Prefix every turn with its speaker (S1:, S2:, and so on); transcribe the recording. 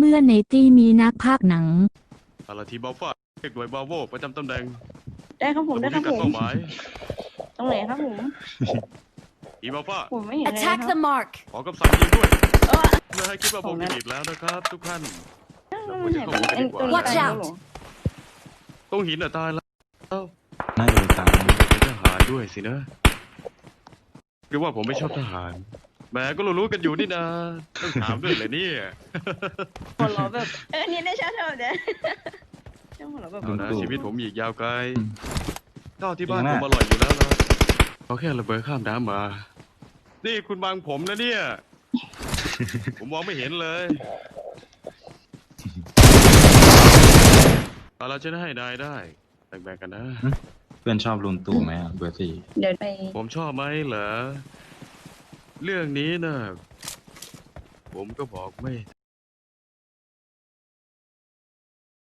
S1: มื่อในตี้มีนักพากย์หนัง
S2: อาราทีบาฟ้าเอกหน่วยบาโวประจำตำแหน่ง
S3: ได้ครับผมได้ครับ
S2: กั
S3: ผ
S2: ด
S3: ม
S2: เป้าหมาย
S3: ตรงไหนครับผม
S2: อีบาฟ้า
S3: ผมไม่เห็นเลยนะ
S4: Attack
S3: ครั
S4: the
S3: บ
S4: mark.
S2: ขอกำสั่งยิงด้วย
S3: เออ
S2: เพื่อให้คิดว่าผมจะหนีบแล้วนะครับทุกท่าน
S3: มันหายไปอันตัวนี้
S4: Watch
S3: ตายแล้ว
S4: out
S3: เหรอ
S2: ตรงหินตายแล้ว
S5: น่าจะตาม
S2: เป็นทหารด้วยสินะหรือว่าผมไม่ชอบทหารแหมก็รู้ๆกันอยู่นี่นะต้องถามด้วยเลยเนี่ย
S3: หัวเราะแบบนี่ได้ชาเท่าเด้อช่างหัวเราะแบบ
S2: เอานะชีวิตผมอีกยาวไกลข้าวที่บ้านผมอร่อยอยู่แล้วนะเขาแค่ระเบิดข้ามน้ำมา นี่คุณบังผมนะเนี่ย ผมมองไม่เห็นเลยเอาเราจะได้ให้นายได้แบ่งๆกันนะ
S5: เพื่อนชอบลุงตู่ไหมเบอร์สี่
S3: เดี๋ยวไป
S2: ผมชอบไหมเหรอ เรื่องนี้นะผมก็บอกไม่